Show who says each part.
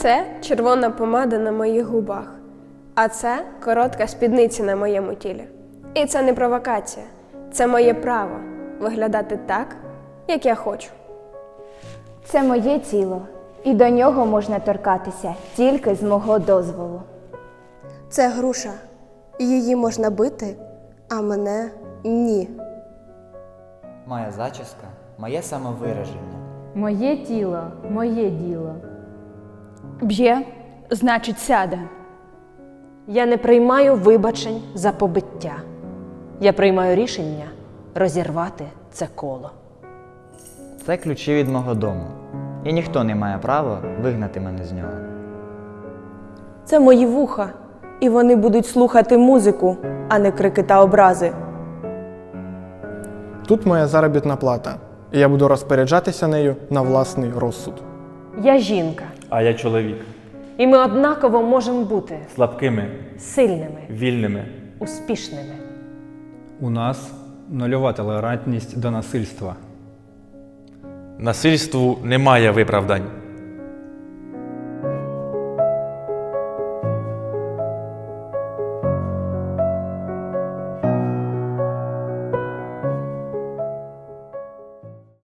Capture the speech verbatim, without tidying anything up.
Speaker 1: Це червона помада на моїх губах, а це коротка спідниця на моєму тілі. І це не провокація, це моє право виглядати так, як я хочу.
Speaker 2: Це моє тіло, і до нього можна торкатися тільки з мого дозволу.
Speaker 3: Це груша, і її можна бити, а мене – ні.
Speaker 4: Моя зачіска – моє самовираження.
Speaker 5: Моє тіло, моє діло.
Speaker 6: Б'є, значить сяде.
Speaker 7: Я не приймаю вибачень за побиття. Я приймаю рішення розірвати це коло.
Speaker 4: Це ключі від мого дому. І ніхто не має права вигнати мене з нього.
Speaker 8: Це мої вуха, і вони будуть слухати музику, а не крики та образи.
Speaker 9: Тут моя заробітна плата, і я буду розпоряджатися нею на власний розсуд.
Speaker 7: Я жінка,
Speaker 10: А я чоловік.
Speaker 7: і ми однаково можемо бути
Speaker 10: Слабкими,
Speaker 7: сильними,
Speaker 10: вільними.
Speaker 7: успішними.
Speaker 11: У нас нульова толерантність до насильства.
Speaker 10: Насильству немає виправдань.